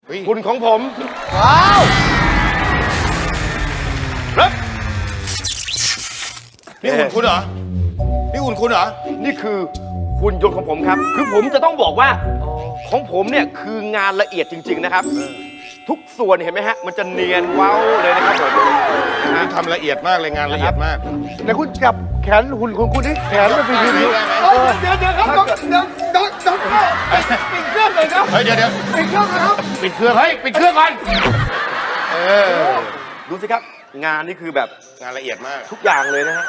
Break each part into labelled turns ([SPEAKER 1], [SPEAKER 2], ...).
[SPEAKER 1] หุ่นของผม
[SPEAKER 2] ว้าว
[SPEAKER 1] ครับ
[SPEAKER 3] นี่หุ่นคุณเหรอ นี่หุ่นคุณเหรอ
[SPEAKER 1] นี่คือหุ่นยนต์ของผมครับ คือผมจะต้องบอกว่าของผมเนี่ยคืองานละเอียดจริง ๆนะครับ ทุกส่วนเห็นไหมฮะ มันจะเนียนเว้าเลยนะครับผมนะฮะ
[SPEAKER 3] ทำละเอียดมากเลยงานละเอียดมาก
[SPEAKER 2] เดี๋ยวคุณจับแขนหุ่นของคุณนี่แขนมันเป็นอย่างนี้
[SPEAKER 3] ได้ไหม
[SPEAKER 2] เดี๋ยวครับเดี๋ยวปิดเครื่องเลยครับ
[SPEAKER 3] เฮ้ยเดี๋ยว
[SPEAKER 2] ปิดเครื่องนะครับ
[SPEAKER 3] ปิดเครื่อง เฮ้ย ปิดเครื่องก่อน
[SPEAKER 1] ดูสิครับ งานนี่คือแบบ
[SPEAKER 3] งานละเอียดมาก
[SPEAKER 1] ทุกอย่างเลยนะฮะ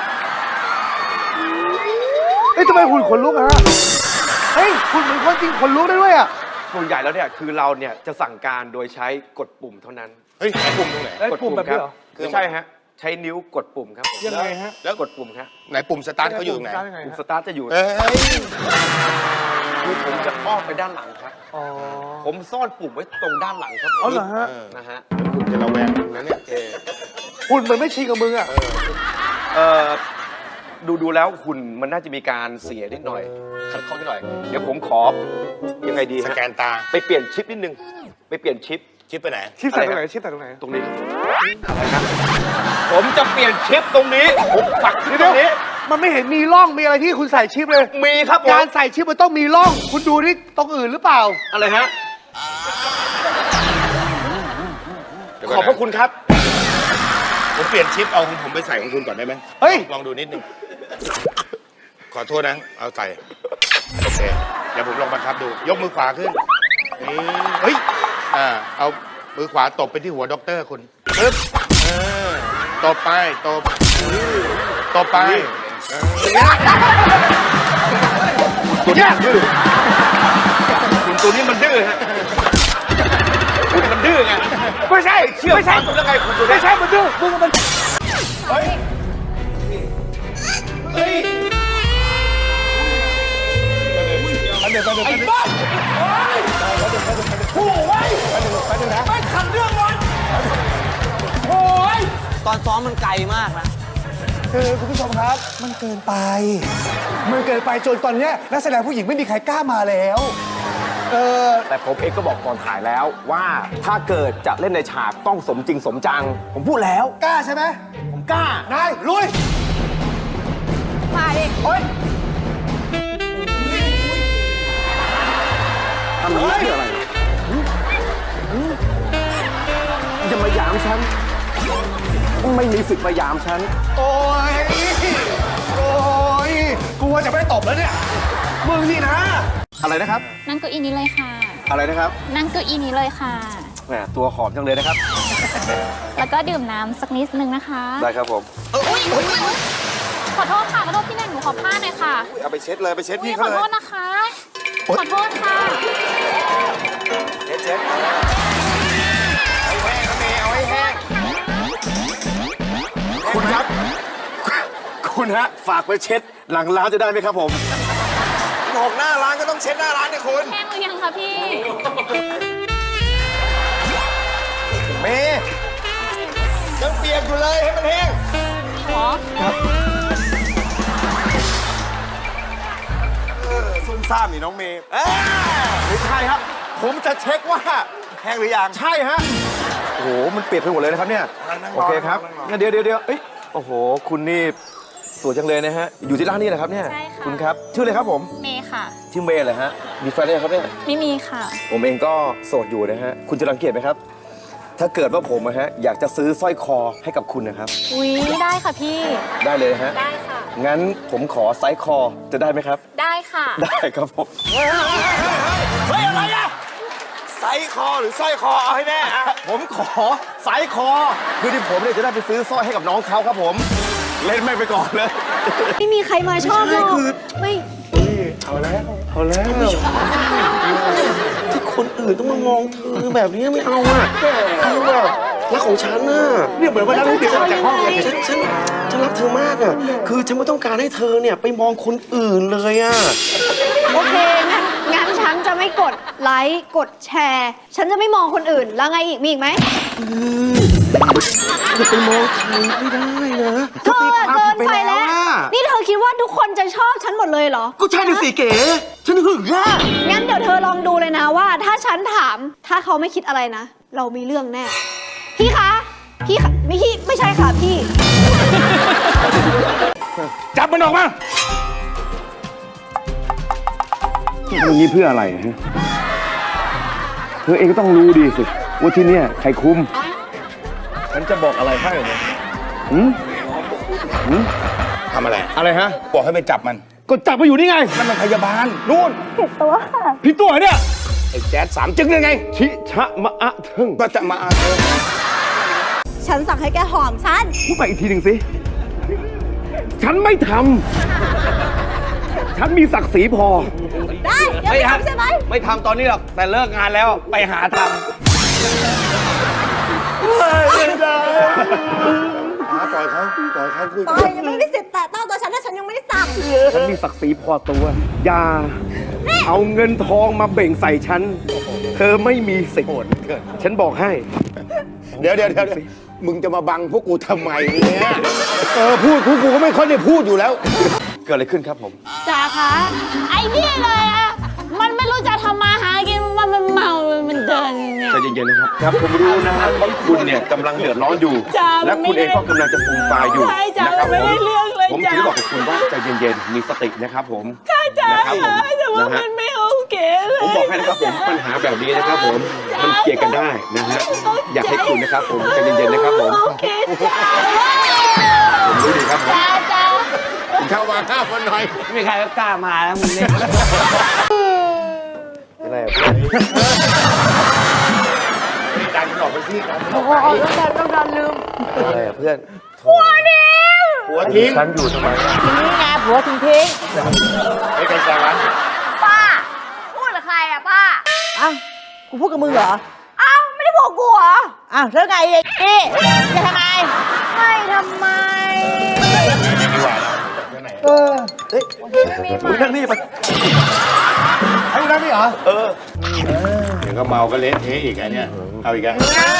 [SPEAKER 2] เฮ้ยทำไมหุ่นขนลุกอะฮะเฮ้ยหุ่นเหมือนคนจริงขนลุกได้ด้วยอะ
[SPEAKER 1] ส่วนใหญ่แล้วเนี่ยคือเราเนี่ยจะสั่งการโดยใช้กดปุ่มเท่านั้น
[SPEAKER 3] เฮ้ยไอ้ปุ่มตรงไหน
[SPEAKER 1] กดปุ่มครับไม่ใช่ฮะ ใช้นิ้วกดปุ่มครับ
[SPEAKER 2] ยังไงฮะ
[SPEAKER 1] แล้วกดปุ่มครับ
[SPEAKER 3] ไหนปุ่มสตาร์ทเขาอยู่ตรงไหน
[SPEAKER 1] ปุ่มสตาร์ทจะอยู่
[SPEAKER 3] เอ้ย
[SPEAKER 1] คือผมจะอ้อมไปด้านหลังครับ
[SPEAKER 2] อ๋อ
[SPEAKER 1] ผมซ่อนปุ่มไว้ตรงด้านหลังครับผม
[SPEAKER 2] เอาเหรอฮะ
[SPEAKER 1] นะฮะ
[SPEAKER 3] คุณจะระแวงมึงนะเนี่ย
[SPEAKER 2] หุ่นเหมือนไม่ชินกับมึงอะ
[SPEAKER 1] ดูแล้วหุ่นมันน่าจะมีการเสียนิดหน่อยขัดข้องนิดหน่อย เดี๋ยวผมขอยังไงดี
[SPEAKER 3] ส
[SPEAKER 1] ฮะ
[SPEAKER 3] แกนตา
[SPEAKER 1] ไปเปลี่ยนชิปนิดนึง ไปเปลี่ยนชิป
[SPEAKER 3] ชิปไปไหน
[SPEAKER 2] ชิปใส่ตรงไหนชิปใส่ตรงไหน
[SPEAKER 1] ตรงนี้ครับอะไรครับผมจะเปลี่ยนชิปตรงนี้ ผมปักชิปตรงนี้
[SPEAKER 2] มันไม่เห็นมีร่องมีอะไรที่คุณใส่ชิปเลย
[SPEAKER 1] มีครับผม
[SPEAKER 2] การใส่ชิปมันต้องมีร่อง คุณดูนี่ตรงอื่นหรือเปล่า
[SPEAKER 1] อะไรฮะ
[SPEAKER 3] เดี๋ยว
[SPEAKER 1] ข
[SPEAKER 3] ก่
[SPEAKER 1] อน บพระคุณครับ
[SPEAKER 3] ผมเปลี่ยนชิปเอาของผมไปใส่ของคุณก่อนได้ไหม
[SPEAKER 2] เฮ้ย
[SPEAKER 3] ลองดูนิดหนึงขอโทษนะ เอาใส่ โอเค เดี๋ยวผมลองบังคับดู ยกมือขวาขึ้น นี่ เฮ้ย เอามือขวาตบไปที่หัวด็อกเตอร์คุณปึ๊บตบไป ตบไป
[SPEAKER 1] ตัวนี้ดื้อคุณตัวนี้มันดื้อฮะคุณมันดื้อไง
[SPEAKER 2] ไม่ใช่
[SPEAKER 1] เชื่อ
[SPEAKER 2] ไม่ใช่
[SPEAKER 1] ฟังแล้วไงคุณตัวนี้
[SPEAKER 2] ไม่ใช่มันดื้อมึงมัน
[SPEAKER 4] ตอนซ้อมมันไกลมากนะ
[SPEAKER 2] คือคุณผู้ชมครับ มันเกินไป มันเกินไปจนตอนเนี้ยนักแสดงผู้หญิงไม่มีใครกล้ามาแล้ว
[SPEAKER 5] แต่ผมเองก็บอกก่อนถ่ายแล้วว่าถ้าเกิดจะเล่นในฉากต้องสมจริงสมจัง ผมพูดแล้ว
[SPEAKER 2] กล้าใช่ไหม
[SPEAKER 5] ผมกล้า
[SPEAKER 2] นายลุย
[SPEAKER 6] มาดิ
[SPEAKER 5] ทำนี้คืออะไรจะมาหยามฉัน ไม่มีสิทธิ์มาหยามฉัน
[SPEAKER 2] โอ้ย โอ้ยกลัวจะไม่ตบแล้วเนี่ย มึงนี่นะ
[SPEAKER 5] อะไรนะครับ
[SPEAKER 6] นั่งเก้าอี้นี้เลยค่ะ
[SPEAKER 5] อะไรนะครับ
[SPEAKER 6] นั่งเก้าอี้นี้เลยค่ะ
[SPEAKER 5] แหมตัวหอมจังเลยนะครับ
[SPEAKER 6] แล้วก็ดื่มน้ำสักนิดนึงนะคะ
[SPEAKER 5] ได้ครับผม
[SPEAKER 6] ขอโทษค่ะ ขอโทษพี่แนนหนูขอผ้าหน่อยค่ะ
[SPEAKER 5] เอาไปเช็ดเลยไปเช็ด
[SPEAKER 6] อุ๊ย
[SPEAKER 5] พี่
[SPEAKER 6] ข
[SPEAKER 5] เขา
[SPEAKER 6] อ
[SPEAKER 5] เล
[SPEAKER 6] โท
[SPEAKER 5] ย
[SPEAKER 6] ษนะคะ ขอโทษค่ะ
[SPEAKER 5] เช็ดคุณครับ คุณฮะฝากไปเช็ดหลังร้านจะได้ไหมครับผมบอกหน้าร้านก็ต้องเช็ดหน้าร้านเนี่ยคุณ
[SPEAKER 6] แห้งหรือยังคะพี่
[SPEAKER 5] เมย์ยังเปียกอยู่เลยให้มันแห้ง
[SPEAKER 6] หรอ
[SPEAKER 5] ซุ่มซ่ามนี่น้องเมย์ไม่ใช่ครับ ผมจะเช็คว่าแห้งหรือยังใช่ฮะโอ้โหมันเปียกไปหมดเลยนะครับเนี่ยโอเคครับงั้นเดี๋ยวเอ้ยโอ้โหคุณนี่สวยจังเลยนะฮะอยู่ที่ร้านนี้เหรอครับเนี่ย
[SPEAKER 6] ใช่ค่ะ
[SPEAKER 5] คุณครับชื่ออะไรครับผม
[SPEAKER 6] เมย์ค่ะ
[SPEAKER 5] ชื่อเมย์เหรอฮะมีแฟนหรือยังครับเนี่ย
[SPEAKER 6] ไม่มีค่ะ
[SPEAKER 5] ผมเองก็โสดอยู่นะฮะคุณจะรังเกียจไหมครับ ถ้าเกิดว่าผมนะฮะอยากจะซื้อสร้อยคอให้กับคุณนะครับ
[SPEAKER 6] อุ๊ย ได้ค่ะพี่
[SPEAKER 5] ได้เลยฮะ
[SPEAKER 6] ได้ค่ะ
[SPEAKER 5] งั้นผมขอไซส์คอจะได้ไหมครับ
[SPEAKER 6] ได้ค่ะ
[SPEAKER 5] ได้ครับผมเฮ้ยอะไรอะไซส์คอหรือสร้อยคอเอาให้แน่อะผมขอไซส์คอคือที่ผมเนี่ยจะได้ไปซื้อสร้อยให้กับน้องเขาครับผม เล่นไม่ไปก่อนเลย
[SPEAKER 6] ไม่มีใครมาชอบหรอกไม่
[SPEAKER 5] ที่คนอื่นต้องมามองเธอแบบนี้ไม่เอาอ่ะคือแบบรักของฉันน่ะ
[SPEAKER 2] เนี่ยเหมือนวันนั้นที่เด็กออกจากห้องเลย
[SPEAKER 5] ฉันรักเธอมากอ่ะคือฉันไม่ต้องการให้เธอเนี่ยไปมองคนอื่นเลยอ่ะ
[SPEAKER 7] โอเค งั้นฉันจะไม่กดไลค์ กดแชร์ ฉันจะไม่มองคนอื่น แล้วไงอีก มีอีกไหม
[SPEAKER 5] จะไปมองใครไม่ได้นะ
[SPEAKER 7] เธอเกินไปแล้ว นี่เธอคิดว่าทุกคนจะชอบฉันหมดเลยเหรอ
[SPEAKER 1] ก็ใช่เลยสิเก๋ฉันหึงอ่ะ
[SPEAKER 7] งั้นเดี๋ยวเธอลองดูเลยนะว่า ถ้าฉันถามถ้าเขาไม่คิดอะไรนะ เรามีเรื่องแน่ พี่คะ พี่คะไม่ใช่ค่ะพี่
[SPEAKER 2] จับมันออกมาอย่างนี้เพื่ออะไรฮะเธอเองก็ต้องรู้ดีสิว่าที่เนี่ยใครคุม
[SPEAKER 5] ฉันจะบอกอะไรให้เนี่ย
[SPEAKER 3] ทำอะไร
[SPEAKER 2] อะไรฮะ
[SPEAKER 3] บอกให้ไปจับมัน
[SPEAKER 2] ก็จับมาอยู่นี่ไง
[SPEAKER 3] นั่นมันพยาบาลนู่น
[SPEAKER 2] พี่ตัวเนี่ย
[SPEAKER 3] ไอ้แจ๊ดสามจึ๊กยังไง
[SPEAKER 2] ชิชะมะอะเทิง
[SPEAKER 3] ก็จะมาเอาเธอ
[SPEAKER 7] ฉันสั่งให้แกหอมฉัน
[SPEAKER 2] พูดไปอีกทีหนึ่งสิ ฉันไม่ทำ ฉันมีศักดิ์ศรีพอ
[SPEAKER 7] ได้เดี๋ยวไม่ทำใช่ไหม
[SPEAKER 1] ไม่ทำตอนนี้หรอกแต่เลิกงานแล้วไปหาท
[SPEAKER 3] ปล่อยเขาคุย
[SPEAKER 7] ปอยยังไม่ได้สิทธิ์แตะต้องตัวฉันถ้าฉันยังไม่ได้สั่ง
[SPEAKER 2] ฉันมีศักดิ์ศรีพอตัว อย่า เอาเงินทองมาเบ่งใส่ฉัน เธอไม่มีสิทธิ์ฉันบอกให้
[SPEAKER 3] เดี๋ยวมึงจะมาบังพวกกูทำไมเนี่ย
[SPEAKER 2] พูดกูก็ไม่ค่อยได้พูดอยู่แล้ว
[SPEAKER 1] ำเกิดอะไรขึ้นครับผม
[SPEAKER 6] จ๋าคะไอ้นี่เลยอะมันไม่รู้จะทำมาหากินมันเมามันเดินเนี่ย
[SPEAKER 1] ใจเย็นๆนะครับครับผมรู้นะฮะว่าคุณเนี่ยกำลังเดือดร้อนอยู่
[SPEAKER 6] จ้า
[SPEAKER 1] และคุณเองก็กำลังจะฟูมฟายอยู่
[SPEAKER 6] ใช่จ้า
[SPEAKER 1] นะครับ
[SPEAKER 6] มันไม่ได้เรื่องเลย
[SPEAKER 1] ผม
[SPEAKER 6] จ้า
[SPEAKER 1] ถึงบอกกับคุณว่าใจเย็นๆมีสตินะครับผม
[SPEAKER 6] จ้า
[SPEAKER 1] นะครับผม
[SPEAKER 6] แต่ว่า
[SPEAKER 1] นะฮะ
[SPEAKER 6] มันไม่โอเคเลย
[SPEAKER 1] ผมบอกให้นะครับผมปัญหาแบบนี้นะครับผมมันเคลียร์กันได้นะฮะอยากให้คุณนะครับผมใจเย็นๆนะครับผม
[SPEAKER 6] โอเคจ้า
[SPEAKER 1] ผมรู้ดีครับผม
[SPEAKER 6] จ้า
[SPEAKER 3] เข้ามาห้ามมันหน่อย
[SPEAKER 4] ไม่มีใครก็กล้ามาแล้วมึงเนี่ย
[SPEAKER 1] อะไรอะ
[SPEAKER 3] การหลอกไปที่กัน
[SPEAKER 1] อะไรอะเพื่อน
[SPEAKER 3] หัวทิ้ง
[SPEAKER 1] ฉันอยู่ทำไม
[SPEAKER 6] นี่ไงผัวทิ้ง
[SPEAKER 3] ไอ้ใครแซงวะ
[SPEAKER 7] ป้า พูดกับใครอะป้า
[SPEAKER 8] อ้าวกูพูดกับมึงเหรอ
[SPEAKER 7] เอ้าไม่ได้บอกกูเหรอ
[SPEAKER 8] อ้าวแล้วไงไอ้นี่จะทำไม
[SPEAKER 7] ไม่ทำไม
[SPEAKER 3] ดีกว่าแล้วไหน
[SPEAKER 1] มึงนั่งนี่ไป
[SPEAKER 2] ไอ้พวกนั้นนี่เหรอ
[SPEAKER 3] เดี๋ยวก็เมาก็เละเทะอีกไอ้เนี่ยเอาอีกแล้ว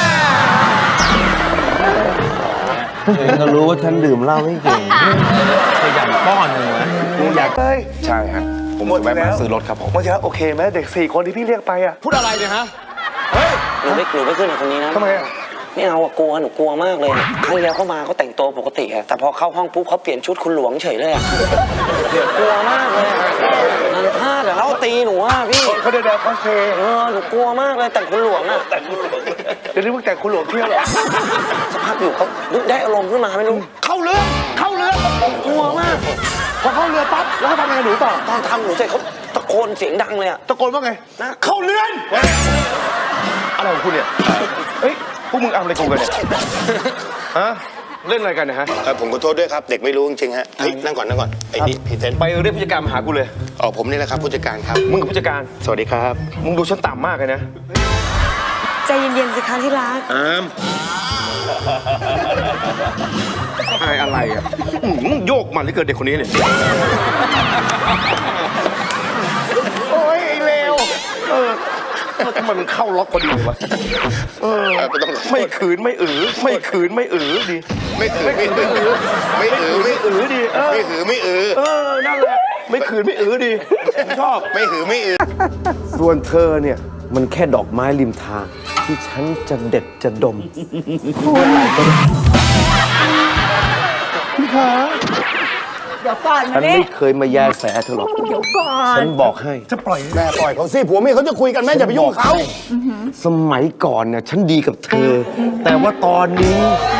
[SPEAKER 5] เองก็รู้ว่าฉันดื่มเหล้าไม่เก่งขยันป้อนหนึ่งวะ
[SPEAKER 3] อยาก
[SPEAKER 1] ใช่ครับผมจะแวะมาซื้อรถครับผม
[SPEAKER 2] เมื่อกี้โอเคไหมเด็ก4 คนที่พี่เรียกไปอ่ะ
[SPEAKER 5] พูดอะไรเนี่ยฮะ
[SPEAKER 4] หนูไม่ขึ้นกับคนนี้นะ
[SPEAKER 2] ทำไมอ่ะ
[SPEAKER 4] ไม่เอาอะกลัวหนูกลัวมากเลยครั้งที่แล้วเขามาเขาแต่งตัวปกติอะแต่พอเข้าห้องปุ๊บเขาเปลี่ยนชุดคุณหลวงเฉยเลยอะกลัวมากเลยอะนันพลาดอะเขาตีหนูอะพี่
[SPEAKER 2] เขาเดินคอสเพลย์
[SPEAKER 4] หนูกลัวมากเลยแต่งคุณหลวงอะแต่ง
[SPEAKER 2] เดี๋ยวนี้มึงแต่งคุณหลวงเที่ยวเหรอ
[SPEAKER 4] สักพักอยู่เขาได้อารมณ์ขึ้นมาไม่รู้
[SPEAKER 2] เข้าเรือ
[SPEAKER 4] กลัวมาก
[SPEAKER 2] พอเข้าเรือปั๊บแล้วเขาทำยังไงหนูต่อ
[SPEAKER 4] ตอนทำหนูเสร็จเขาตะโกนเสียงดังเลยอะ
[SPEAKER 2] ตะโกนว่าไง
[SPEAKER 4] นะ
[SPEAKER 2] เข้าเรือน
[SPEAKER 1] อะไรของคุณเนี่ยเฮ้ยพวกมึงเอาอะไรกันเนี่ยฮะเล่นอะไรกันเนะฮะ
[SPEAKER 3] ผมขอโทษด้วยครับ เด็กไม่รู้จริงๆฮะเฮ้ยนั่งก่อนไอ้นี่พรีเซนต์
[SPEAKER 1] ไปเรียกผู้จัดการมาหากูเลย
[SPEAKER 3] อ๋อผมนี่แหละครับผู้จัดการครับ
[SPEAKER 1] มึงกับผู้จัดการ
[SPEAKER 3] สวัสดีครับ
[SPEAKER 1] มึงดูฉันต่ำมากเลยนะ
[SPEAKER 8] ใจเย็นๆสิคะที่รัก
[SPEAKER 3] อาม
[SPEAKER 1] อะไรอ่ะโยกมันเหลือเกินเด็กคนนี้เนี่ย
[SPEAKER 2] โอ้ยไอ้เลว
[SPEAKER 1] ทำไมมันเข้าล็อกพอดีเลยวะ
[SPEAKER 3] ก็ต้อง
[SPEAKER 1] ไม่ขืนไม่ไม่ขืนไม่ดี
[SPEAKER 3] ไม่ถือไม่ถือไม่ถือไม่ถือ
[SPEAKER 1] ดี
[SPEAKER 3] ไม่ถือไม่อือ
[SPEAKER 1] นั่นแหละไม่ขืนไม่ดีผมชอบ
[SPEAKER 3] ไม่ถือไม่อือ
[SPEAKER 2] ส่วนเธอเนี่ยมันแค่ดอกไม้ริมทาง ที่ฉันจะเด็ดจะดม
[SPEAKER 8] เดี๋ยวก่อน
[SPEAKER 2] ฉั
[SPEAKER 8] มาน นี่
[SPEAKER 2] ไม่เคยมาแยแสเธอหรอก
[SPEAKER 8] เดี๋ยวก่อน
[SPEAKER 2] ฉันบอกให้
[SPEAKER 3] แม่ปล่อยเขาสิผัวเมียเขาจะคุยกันแม่อย่าไปยุ่งเขา
[SPEAKER 2] สมัยก่อนเนี่ยฉันดีกับเธอ แต่ว่าตอนนี้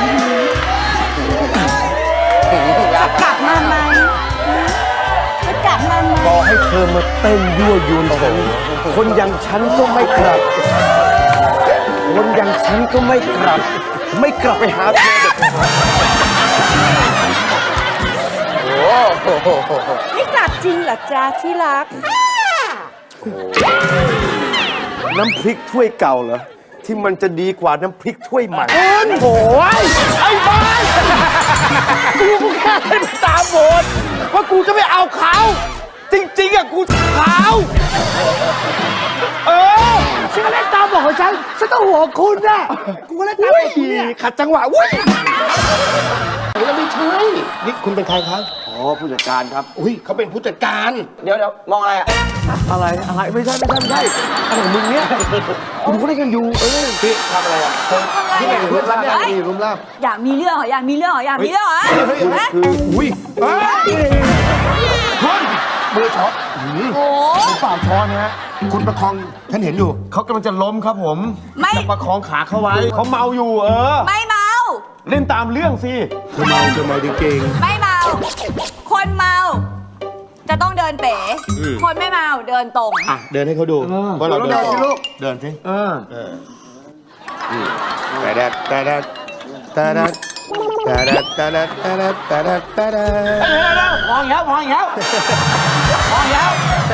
[SPEAKER 8] จะกลับมาไหมจะกลับมาไหม
[SPEAKER 2] ต่อให้เธอมาเต้นยั่วยวนฉันคนอย่างฉันก็ไม่กลับ คนอย่างฉันก็ไม่กลับ ไม่กลับไปหาเธอเด็ดขาด
[SPEAKER 8] ไม่กลับจริงเหรอจ๊ะที่รัก
[SPEAKER 2] น้ำพริกถ้วยเก่าเหรอ ที่มันจะดีกว่าน้ำพริกถ้วยใหม่
[SPEAKER 8] โอ้ยไอ้บ้านกูแค่ให้มันตามบทว่ากูจะไม่เอาเขา จริงๆอะกูเขาฉันก็เล่นตามบทของฉันต้องหัวคุณน่ะกูก็เล่นตามบทคุณเนี่ย
[SPEAKER 2] ขัดจังหวะวุ้ย
[SPEAKER 3] แล้วไม่ใช่นี่คุณเป็นใครครับ
[SPEAKER 2] อ๋อผู้จัดการครับ
[SPEAKER 3] อุ้ยเขาเป็นผู้จัดการ
[SPEAKER 4] เดี๋ยวมองอะไรอ่ะ
[SPEAKER 2] อะไรไม่ใช่อะไรของมึงเนี่ยคุณก็ได้กันอยู่พี่ทำอะไรอ่ะพี่ไหนรูปร่างดีรูปร่าง
[SPEAKER 6] อยากมีเรื่องเหรออยากมีเรื่องเหรออยากมีเรื่องเหรอฮะ
[SPEAKER 2] คืออุ้ย
[SPEAKER 3] คนมือช็อต
[SPEAKER 6] โอ้
[SPEAKER 2] เปล่าช้อนนะฮะ
[SPEAKER 3] คุณประคองฉันเห็นอยู่
[SPEAKER 2] เขากำลังจะล้มครับผม
[SPEAKER 6] ไม่
[SPEAKER 2] จะประคองขาเขาไว้เขาเมาอยู่
[SPEAKER 6] ไม่เมา
[SPEAKER 2] เล่นตามเรื่องสิ
[SPEAKER 3] เธอเมาจริง
[SPEAKER 6] ไม่เมา คนเมา จะต้องเดินเป๋ คนไม่เมาเดินตรง
[SPEAKER 3] ๆอ่ะเดินให้เขาดูว่าเราเดินสิลูกเดินสิ แต่แดดแต่แดดแต่แดดแต่แดดแต่แดดแต่แดดแต่แดดแต่แดด
[SPEAKER 8] มองอีกแล้วมองอีกแล้วมองอีกแล้ว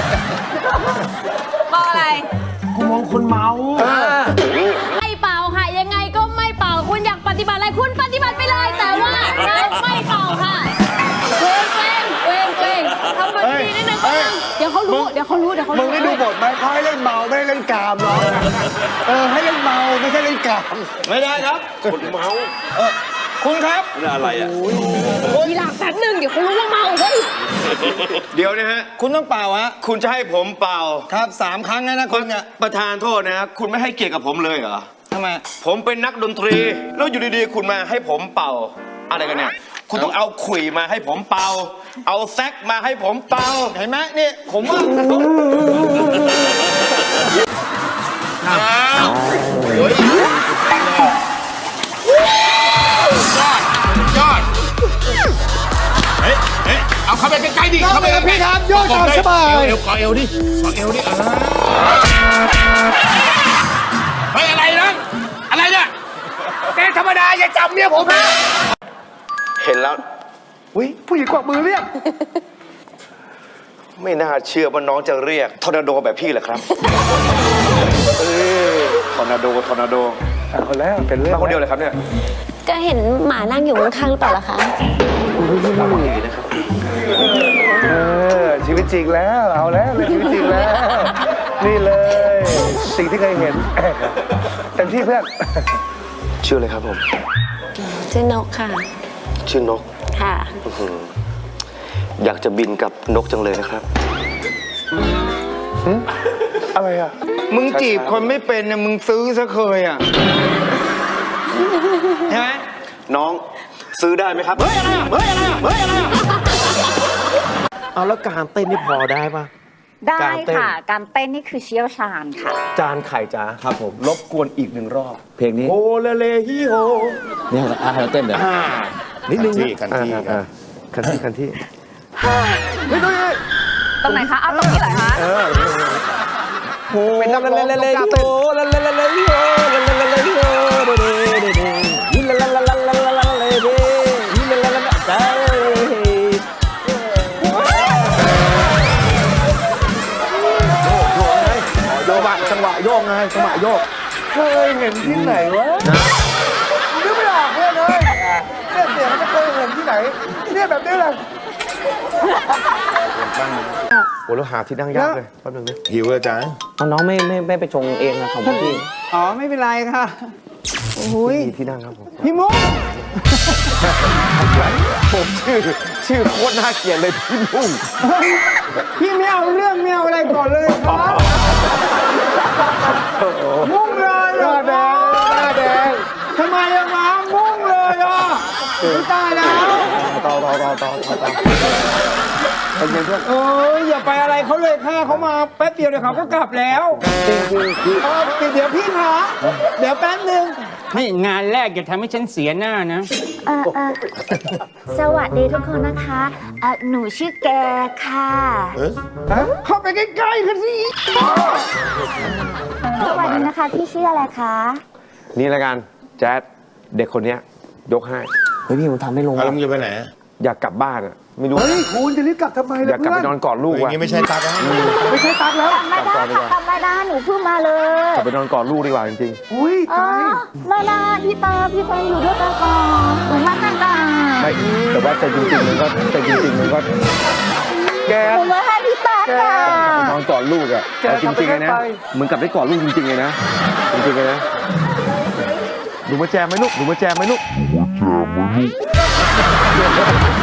[SPEAKER 6] มองอะไร
[SPEAKER 2] กูมองคนเมา
[SPEAKER 9] ไม่เป่าค่ะ ยังไงก็ไม่เป่า คุณอยากปฏิบัติอะไรคุณปฏิบัติไปเลย แต่ว่าเราไม่เป่าค่ะเกรงทำมันดีนิดนึงเดี๋ยวเขารู้เดี๋ยวเขารู้
[SPEAKER 2] มึงได้ดูบทไหมเขาให้เล่นเมาไม่ได้เล่นกามหรอกให้เล่นเมาไม่ใช่เล่นกาม
[SPEAKER 8] ไม่ได้ครับ
[SPEAKER 1] คนเมา
[SPEAKER 8] คุณครับ
[SPEAKER 1] นี่อะไรอ่ะ
[SPEAKER 9] ทีหลังแป๊บนึงเดี๋ยวเขารู้ว่าเมาเฮ้ย
[SPEAKER 1] เดี๋ยวนะฮะ
[SPEAKER 8] คุณต้องเป่าฮะ
[SPEAKER 1] คุณจะให้ผมเป่า
[SPEAKER 8] ครับ3 ครั้งนะคุณเนี่ย
[SPEAKER 1] ประธานโทษนะคุณไม่ให้เกียรติกับผมเลยเหรอ
[SPEAKER 8] ทำไม
[SPEAKER 1] ผมเป็นนักดนตรี แล้วอยู่ดีๆ คุณมาให้ผมเป่า อะไรกันเนี่ย คุณต้องเอาขลุ่ยมาให้ผมเป่า เอาแซกมาให้ผมเป่า
[SPEAKER 8] เห็นไหมนี่ผมว่า
[SPEAKER 3] ยอดเฮ้ยเอาเข้าไปใกล้ๆดิเข้าไปพี่ครับยอดสบายเอวกอเอวดิกอเอวดิเฮ้ยอะไรนะอะไรเนี่ยแกธรรมดาอย่าจับเมียผมนะ
[SPEAKER 1] เห็นแล้ว
[SPEAKER 2] อุ้ยผู้หญิงกวักมือเรียก
[SPEAKER 1] ไม่น่าเชื่อว่าน้องจะเรียกทอร์นาโดแบบพี่แหละครับทอร์นาโด
[SPEAKER 2] เอาแล้วเป็นเรื่อง
[SPEAKER 1] มาคนเดียวเลยครับเนี่ย
[SPEAKER 9] ก็เห็นหมานั่งอยู่ข้างๆหรือเปล่าล่ะคะ
[SPEAKER 2] ชีวิตจริงแล้วเอาแล้วเลยชีวิตจริงแล้ว นี่เลยสิ่งที่เคยเห็นเต็มที่เพื่อน
[SPEAKER 1] ชื่ออะไรครับผม
[SPEAKER 9] ชื่อนกค่ะ
[SPEAKER 1] ชื่อนก
[SPEAKER 9] ค่ะ
[SPEAKER 1] อยากจะบินกับนกจังเลยนะครับ
[SPEAKER 2] อะไรอ่ะ
[SPEAKER 8] มึงจีบคนไม่เป็นเนี่ยมึงซื้อซะเคยอ่ะใช่ไหม
[SPEAKER 1] น้องซื้อได้ไหมครับ
[SPEAKER 8] เฮ้ยอะไรอ่ะเฮ้ยอะไรอ่ะเฮ้ยอะไรอ่ะ
[SPEAKER 2] เอาแล้วการเต้นนี่พอได้ปะ
[SPEAKER 10] ได้
[SPEAKER 2] การเต้น
[SPEAKER 10] ค่ะ การเต้นนี่คือเชี่ยวชาญค่ะ
[SPEAKER 2] จานไข่จ้าครับผมรบกวนอีกหนึ่งรอบ
[SPEAKER 5] เพลงนี้
[SPEAKER 2] โอเลเลฮิโฮ
[SPEAKER 5] เนี่ยให้เราเต้นเดี๋ยว
[SPEAKER 2] นิดนึง
[SPEAKER 3] คันที่ครับ
[SPEAKER 2] คันที่
[SPEAKER 10] ตรงไหนคะ เอาตรงนี้เหรอคะ
[SPEAKER 2] เป็นนักร้องต้องการเต้น โยกจังหวะโยกไงจังหวะโยกเคยเห็นที่ไหนวะนึกไม่ออกเลยเนี่ยเสียงจะเคยเห็นที่ไหนเนี่ยแบบนี้เลยโอ้แล้วหาที่นั่งยากเลยแป๊บนึงนะ
[SPEAKER 3] หิวเลยจ้า
[SPEAKER 4] น้องไม่ไปชงเองนะของพี่
[SPEAKER 8] อ๋อไม่เป็นไรค่ะโอ้ย
[SPEAKER 2] มีที่นั่งครับผม
[SPEAKER 8] พี่มุก
[SPEAKER 2] ผมชื่อโคตรน่าเกลียดเลยพี่นุ่ง
[SPEAKER 8] พี่ไม่เอาเรื่องไม่เอาอะไรก่อนเลยครับมุ่งเลยเหรอ
[SPEAKER 2] หน้าแดง
[SPEAKER 8] ทำไมอะมามุ่งเลยอ่ะไม่ตายแล้ว
[SPEAKER 2] ต่อเป็นไงเพื่อน
[SPEAKER 8] เอ้ยอย่าไปอะไรเขาเลยค่ะเขามาแป๊บเดียวเดี๋ยวเขาก็กลับแล้วเดี๋ยวพี่คะเดี๋ยวแป๊บนึงให้งานแรกอย่าทำให้ฉันเสียหน้านะ
[SPEAKER 10] สวัสดีทุกคนนะคะหนูชื่อแกค่ะ
[SPEAKER 8] เข้าไปใกล้ๆกันสิ
[SPEAKER 10] สวัสดีนะคะ พี่ชื่ออะไรคะ
[SPEAKER 2] นี่ละกันแจ๊ดเด็กคนเนี้ยยกให้
[SPEAKER 4] เฮ้ยพี่ผมทำไม่ลง
[SPEAKER 3] แล้วมึงจะไปไหน
[SPEAKER 2] อยากกลับบ้านอ่ะไม่รู้
[SPEAKER 5] เฮ้ยคุณจะรีบกลับทำไม
[SPEAKER 2] อ
[SPEAKER 5] ล่ะ
[SPEAKER 2] ยากกลับไปนอนกอดลูก
[SPEAKER 3] อย่าง
[SPEAKER 2] ว่ะ
[SPEAKER 3] นี้ไม่ใช่ตักนะ
[SPEAKER 5] ไม่ใช่ตักแล้ว
[SPEAKER 10] ไม่ได้ค่ะทำไม่ได้หนูเพิ่งมาเลย
[SPEAKER 2] กลับไปนอนกอดลูกดีกว่าจริง
[SPEAKER 5] อุ้ย
[SPEAKER 10] อ๋อ
[SPEAKER 5] ตาย
[SPEAKER 10] ไม่ได้พี่ตาอยู่ด้วยกันก่อนหนูมากันก่อน
[SPEAKER 2] ๆไม่แต่ว่าใจจริงๆมันก็แก
[SPEAKER 10] หนูมาให้พี่ตาค่ะ
[SPEAKER 2] นอนกอดลูกอ่ะเอาจริงๆเลยนะเหมือนกับได้กอดลูกจริงๆเลยนะจริงๆเลยนะหนูมาแจมไหมลูก